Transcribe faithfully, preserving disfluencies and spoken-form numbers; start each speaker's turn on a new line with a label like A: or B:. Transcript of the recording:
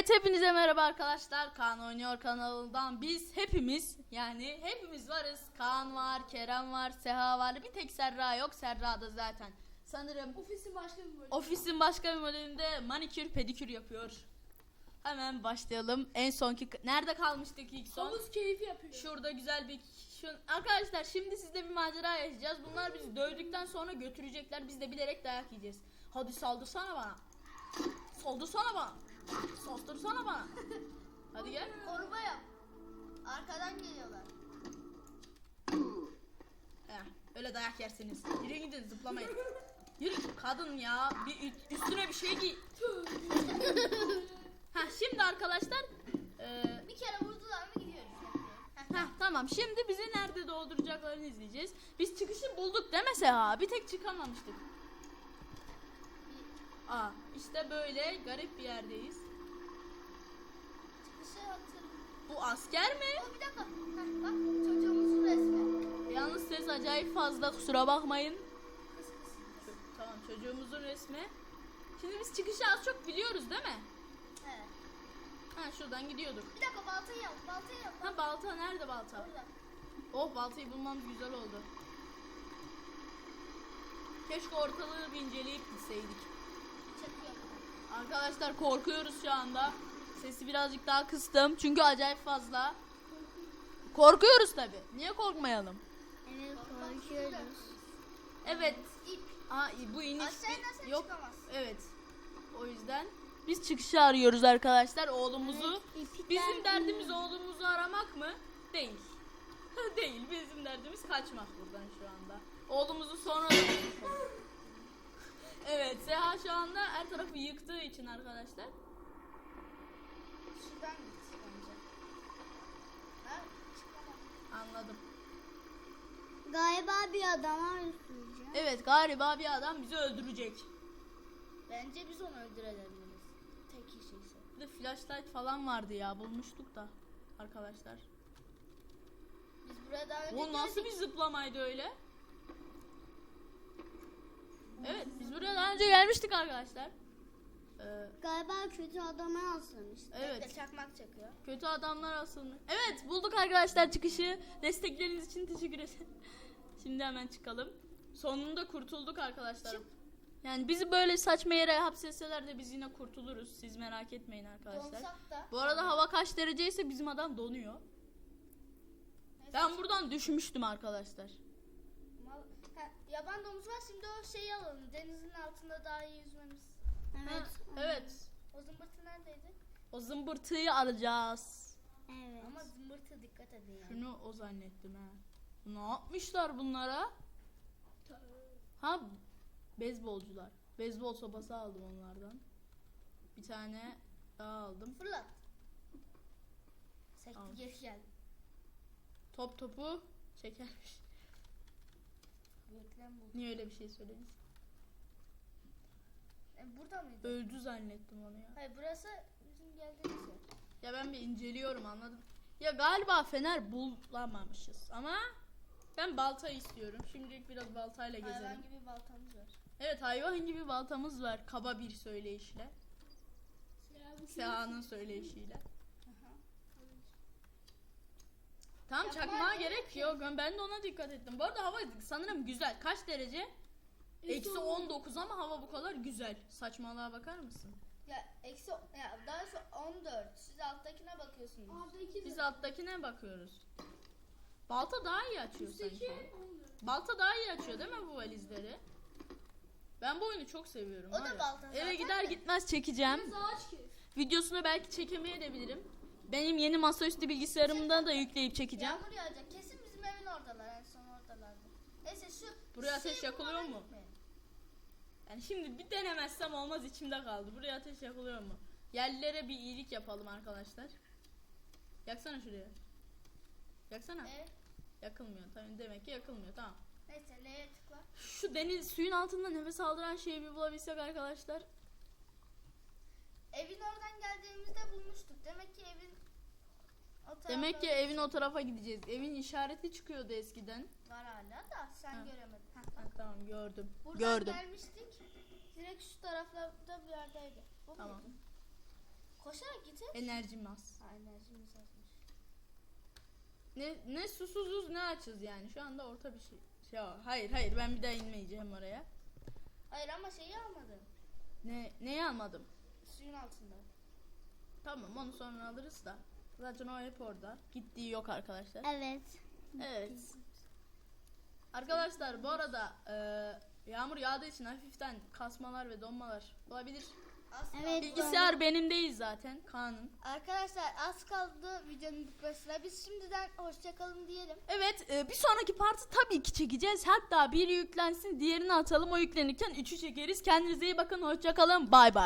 A: Evet, hepinize merhaba arkadaşlar. Kaan Oynuyor kanalından biz hepimiz, yani hepimiz varız. Kaan var, Kerem var, Seha var. Bir tek Serra yok. Serra da zaten sanırım
B: ofisin başka bir bölümünde.
A: Ofisin başka bir bölümünde manikür pedikür yapıyor. Hemen başlayalım. En sonki nerede kalmıştık ilk son?
B: Havuz keyfi yapıyor.
A: Şurada güzel bir şu, arkadaşlar şimdi sizle bir macera yaşayacağız. Bunlar bizi dövdükten sonra götürecekler. Biz de bilerek dayak yiyeceğiz. Hadi saldırsana bana. Saldırsana bana. Saldırsana bana. Hadi gel.
C: Koruma yap. Arkadan geliyorlar.
A: Heh, öyle dayak yersiniz. Yürü gidin, zıplamayın. Yürü kadın ya. Bir üstüne bir şey giy. Ha şimdi arkadaşlar e,
C: Bir kere vurdular mı gidiyoruz.
A: Heh, tamam, şimdi bizi nerede dolduracaklarını izleyeceğiz. Biz çıkışı bulduk değil mi Seha? Bir tek çıkamamıştık. Aa, işte böyle garip bir yerdeyiz.
C: Çıkışı hatırlıyorum.
A: Bu asker mi?
C: Oh, bir dakika. Heh, bak çocuğumuzun resmi.
A: Yalnız ses acayip fazla, kusura bakmayın.
C: Kıs kıs kıs.
A: Tamam, çocuğumuzun resmi. Şimdi biz çıkışı az çok biliyoruz değil mi?
C: Evet.
A: Ha, şuradan gidiyorduk.
C: Bir dakika baltayı yap. Baltayı yap.
A: Ha, balta nerede balta?
C: Orada.
A: Oh, baltayı bulmamız güzel oldu. Keşke ortalığı bir inceleyip gitseydik.
C: Çakıyor.
A: Arkadaşlar korkuyoruz şu anda. Sesi birazcık daha kıstım çünkü acayip fazla. Korkuyoruz tabi. Niye korkmayalım?
C: Evet konuşuyoruz.
A: Evet.
C: İp.
A: Aa, bu iniş
C: Aşağı inersen
A: yok.
C: çıkamazsın.
A: Evet. O yüzden biz çıkışı arıyoruz arkadaşlar, oğlumuzu. Bizim derdimiz oğlumuzu aramak mı? Değil. Değil. Bizim derdimiz kaçmak buradan şu anda. Oğlumuzu sonra da bulmuş olduk. Evet, Seha şu anda her tarafı yıktığı için arkadaşlar.
C: Şuradan git bence. Ha, çıkamam.
A: Anladım.
C: Galiba bir adama öldüreceğim.
A: Evet, galiba bir adam bizi öldürecek.
C: Bence biz onu öldürebiliriz. Tek kişiyse.
A: Bir de flashlight falan vardı ya, bulmuştuk da arkadaşlar.
C: Biz buraya daha önce
A: O nasıl bir
C: geldik.
A: zıplamaydı öyle? Evet, biz buraya daha önce gelmiştik arkadaşlar. Ee,
C: Galiba kötü adama asılmış.
A: Evet.
C: Bekle, çakmak çakıyor.
A: kötü adamlar asılmış. Evet, bulduk arkadaşlar çıkışı. Destekleriniz için teşekkür ederim. Şimdi hemen çıkalım. Sonunda kurtulduk arkadaşlar.
C: Çık.
A: Yani bizi böyle saçma yere hapsetseler de biz yine kurtuluruz. Siz merak etmeyin arkadaşlar.
C: Donsak da.
A: Bu arada hava kaç dereceyse bizim adam donuyor.
C: Neyse,
A: Ben buradan düşmüştüm arkadaşlar.
C: Mal- Ha, yaban domuz var, şimdi o şeyi alalım. Denizin altında daha iyi yüzmemiz.
A: Ha, evet.
C: O zımbırtı neredeydi?
A: O zımbırtıyı alacağız.
C: Evet. Ama zımbırtı dikkat edin yani.
A: Şunu o zannettim ha. Ne yapmışlar bunlara? Ha, beyzbolcular. Beyzbol sopası aldım onlardan. Bir tane daha aldım.
C: Fırlat. Sekti
A: Al.
C: geri geldi.
A: Top topu çekermiş.
C: Reklam bu.
A: Niye öyle bir şey söylediniz?
C: E, burada mıydı?
A: Öldü zannettim onu ya.
C: Hayır, burası bizim geldiğimiz yer.
A: Ya ben bir inceliyorum, anladım. Ya galiba fener bulamamışız ama ben balta istiyorum. Şimdilik biraz baltayla gezelim.
C: Hayvan gibi baltamız var.
A: Evet, hayvan gibi baltamız var. Kaba bir söyleyişle. Seha'nın söyleyişiyle.
C: Aha.
A: Tamam,
C: Yapma,
A: çakmağa
C: evet.
A: gerek yok. Ben de ona dikkat ettim. Bu arada hava sanırım güzel. Kaç derece? Eksi on dokuz ama hava bu kadar güzel. Saçmalığa bakar mısın?
C: Ya eksi ya daha sonra on dört. Siz alttakine bakıyorsunuz.
A: Biz alttakine bakıyoruz. Balta daha iyi açıyor sanki.
B: Üstteki
A: Balta daha iyi açıyor değil mi bu valizleri? Ben bu oyunu çok seviyorum.
C: O
A: var
C: da
A: ya.
C: balta
A: Eve
C: zaten
A: gider
C: de.
A: gitmez çekeceğim.
B: Biraz ağaç kes.
A: Videosunu belki çekemeyebilirim. Benim yeni masaüstü bilgisayarımdan da yükleyip çekeceğim.
C: Yağmur yağacak. Kesin bizim evin oradalar. En son oradalardı. Neyse şu
A: Buraya
C: şu
A: ateş
C: şeyi
A: yakılıyor
C: bulmadan
A: mu?
C: gitmeyin.
A: Yani şimdi bir denemezsem olmaz, içimde kaldı. Buraya ateş yakılıyor mu? Yerlilere bir iyilik yapalım arkadaşlar. Yaksana şuraya. Yaksana.
C: E,
A: Yakılmıyor. Tamam, demek ki yakılmıyor. Tamam.
C: neyse neye tıkla?
A: Şu deniz suyun altında nefes aldıran şeyi bir bulabilsek arkadaşlar.
C: Evin oradan geldiğimizde bulmuştuk. Demek ki evin o tarafta
A: Demek ki evin o tarafa gideceğiz. Evin işareti çıkıyordu eskiden.
C: var hala da sen
A: Ha.
C: göremedin. Ha,
A: Ha,
C: bak.
A: tamam, gördüm.
C: Buradan
A: Gördüm.
C: gelmiştik. Direkt şu taraflarda bir yerdeydi. Bu
A: Tamam.
C: muydu? Koşarak git. bitir.
A: Enerjim az.
C: Ha, enerjimiz azmış.
A: Ne ne susuzuz ne açız yani. Şu anda orta bir şey. Ya hayır hayır ben bir daha inmeyeceğim oraya.
C: Hayır ama şeyi almadın.
A: Ne neyi almadım?
C: Suyun altında.
A: Tamam onu sonra alırız da. Zaten o hep orada. Gittiği yok arkadaşlar.
B: Evet.
A: Evet. Arkadaşlar bu arada e, yağmur yağdığı için hafiften kasmalar ve donmalar olabilir.
C: Az
B: Evet.
C: kaldı.
A: Bilgisayar benim değil zaten. Kaan'ın.
C: Arkadaşlar az kaldı videonun bitmesine. Biz şimdiden hoşçakalın diyelim.
A: Evet e, bir sonraki partı tabii ki çekeceğiz. Hatta biri yüklensin diğerini atalım. O yüklenirken üçü çekeriz. Kendinize iyi bakın. Hoşça kalın. Bay bay.